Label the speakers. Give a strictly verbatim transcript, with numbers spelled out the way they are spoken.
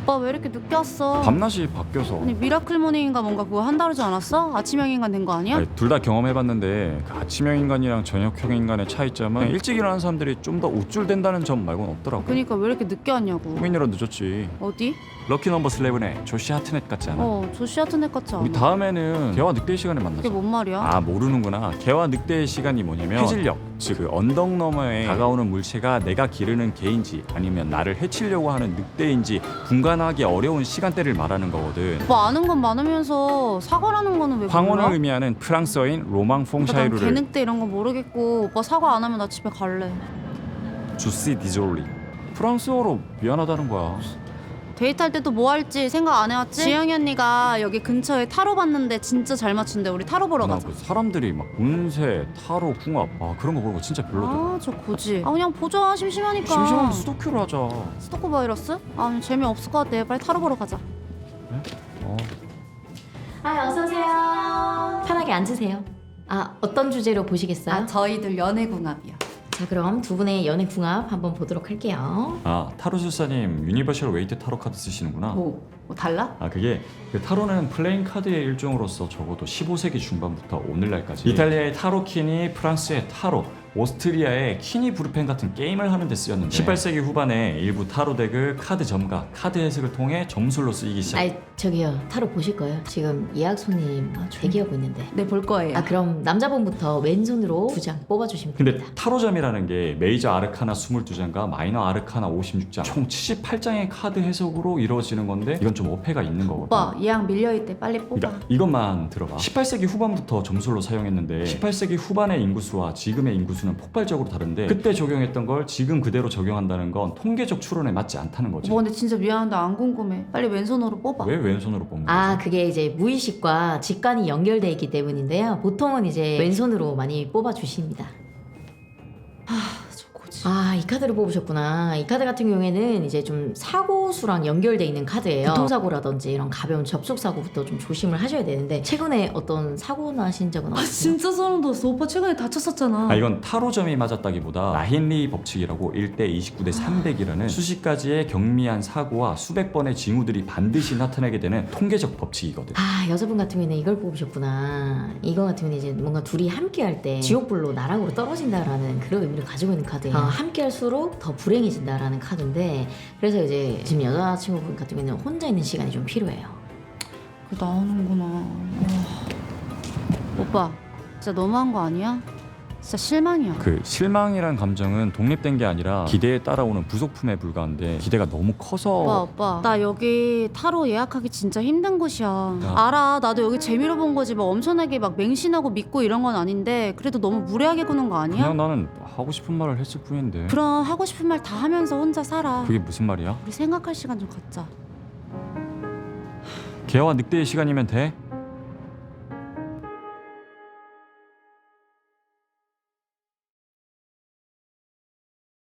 Speaker 1: 오빠 왜 이렇게 늦게 왔어?
Speaker 2: 밤낮이 바뀌어서.
Speaker 1: 아니 미라클 모닝인가 뭔가 그거 한다 그러지 않았어? 아침형 인간 된 거 아니야?
Speaker 2: 둘 다 경험해봤는데 그 아침형 인간이랑 저녁형 인간의 차이점은 일찍 일어나는 사람들이 좀 더 우쭐댄다는 점 말고는 없더라고.
Speaker 1: 그니까 왜 이렇게 늦게 왔냐고.
Speaker 2: 고민이라 늦었지.
Speaker 1: 어디?
Speaker 2: 럭키 넘버 십일의 조시 하트넷 같지 않아?
Speaker 1: 어 조시 하트넷 같지 않아?
Speaker 2: 우리 다음에는 개와 늑대의 시간에 만나자.
Speaker 1: 그게 뭔 말이야?
Speaker 2: 아 모르는구나. 개와 늑대의 시간이 뭐냐면 해질녘, 즉 그 언덕 너머에 다가오는 물체가 내가 기르는 개인지 아니면 나를 해치려고 하는 늑대인지 분간하기 어려운 시간대를 말하는 거거든.
Speaker 1: 오빠 아는 건 많으면서 사과라는 거는 왜
Speaker 2: 황혼을
Speaker 1: 몰라?
Speaker 2: 의미하는 프랑스어인 로망
Speaker 1: 난
Speaker 2: 퐁샤이루를
Speaker 1: 개늑대 이런 거 모르겠고 오빠 사과 안 하면 나 집에 갈래.
Speaker 2: 주시 디졸리. 프랑스어로 미안하다는 거야.
Speaker 1: 데이트할 때도 뭐 할지 생각 안 해왔지? 지영이 언니가 여기 근처에 타로 봤는데 진짜 잘 맞춘대. 우리 타로 보러
Speaker 2: 나
Speaker 1: 가자.
Speaker 2: 그 사람들이 막 운세, 타로, 궁합 아 그런 거 보는 거 진짜 별로더라.
Speaker 1: 아 저 고지. 아 그냥 보자. 심심하니까.
Speaker 2: 심심하면 수도큐로 하자.
Speaker 1: 스토커 바이러스? 아 재미없을 것 같아. 빨리 타로 보러 가자.
Speaker 2: 어.
Speaker 3: 아, 어서 오세요. 편하게 앉으세요. 아, 어떤 주제로 보시겠어요?
Speaker 1: 아 저희들 연애궁합이요.
Speaker 3: 자, 그럼 두 분의 연애 궁합 한번 보도록 할게요.
Speaker 2: 아 타로술사님 유니버셜 웨이트 타로 카드 쓰시는구나.
Speaker 1: 뭐, 뭐 달라?
Speaker 2: 아 그게 그 타로는 플레잉 카드의 일종으로서 적어도 십오 세기 중반부터 오늘날까지 이탈리아의 타로키니, 프랑스의 타로, 오스트리아의 키니 브루펜 같은 게임을 하는 데 쓰였는데 십팔 세기 후반에 일부 타로 덱을 카드 점과 카드 해석을 통해 점술로 쓰이기 시작.
Speaker 3: 아이, 저기요. 타로 보실 거예요? 지금 예약 손님 대기하고 있는데.
Speaker 1: 네 볼 거예요.
Speaker 3: 아, 그럼 남자분부터 왼손으로 두 장 뽑아주시면
Speaker 2: 근데
Speaker 3: 됩니다.
Speaker 2: 타로점이라는 게 메이저 아르카나 이십이 장과 마이너 아르카나 오십육 장 총 칠십팔 장의 카드 해석으로 이루어지는 건데 이건 좀 어폐가 있는 거거든.
Speaker 1: 오빠 예약 밀려있대. 빨리 뽑아.
Speaker 2: 그러니까 이것만 들어봐. 십팔 세기 후반부터 점술로 사용했는데 십팔 세기 후반의 인구수와 지금의 인구수는 폭발적으로 다른데 그때 적용했던 걸 지금 그대로 적용한다는 건 통계적 추론에 맞지 않다는 거지.
Speaker 1: 오빠 근데 진짜 미안한데 안 궁금해. 빨리 왼손으로 뽑아.
Speaker 2: 왜 왼손으로 뽑는 거지?
Speaker 3: 아, 그게 이제 무의식과 직관이 연결돼 있기 때문인데요. 보통은 이제 왼손으로 많이 뽑아주십니다.
Speaker 1: 저 고지.
Speaker 3: 아, 이 카드를 뽑으셨구나. 이 카드 같은 경우에는 이제 좀 사고수랑 연결돼 있는 카드예요. 교통사고라든지 이런 가벼운 접촉사고부터 좀 조심을 하셔야 되는데 최근에 어떤 사고 나신 적은
Speaker 1: 아
Speaker 3: 없으세요?
Speaker 1: 진짜 소름 돋았어. 오빠 최근에 다쳤었잖아.
Speaker 2: 아 이건 타로점이 맞았다기보다 라힌리 법칙이라고 일 대 이십구 대 삼백이라는 수십 가지의 경미한 사고와 수백 번의 징후들이 반드시 나타나게 되는 통계적 법칙이거든.
Speaker 3: 아, 여자분 같은 경우에는 이걸 뽑으셨구나. 이거 같은 경우는 이제 뭔가 둘이 함께 할 때 지옥불로 나락으로 떨어진다라는 그런 의미를 가지고 있는 카드예요. 어, 함께 할수록 더 불행해진다라는 카드인데 그래서 이제 지금 여자친구분 같은 경우에는 혼자 있는 시간이 좀 필요해요.
Speaker 1: 그게 나오는구나. 와. 오빠 진짜 너무한 거 아니야? 진짜 실망이야.
Speaker 2: 그 실망이란 감정은 독립된 게 아니라 기대에 따라오는 부속품에 불과한데 기대가 너무 커서
Speaker 1: 오빠 오빠 나 여기 타로 예약하기 진짜 힘든 곳이야.
Speaker 2: 야.
Speaker 1: 알아. 나도 여기 재미로 본 거지 막 엄청나게 막 맹신하고 믿고 이런 건 아닌데 그래도 너무 무례하게 구는 거 아니야?
Speaker 2: 그냥 나는 하고 싶은 말을 했을 뿐인데.
Speaker 1: 그럼 하고 싶은 말 다 하면서 혼자 살아.
Speaker 2: 그게 무슨 말이야?
Speaker 1: 우리 생각할 시간 좀 갖자.
Speaker 2: 개와 늑대의 시간이면 돼?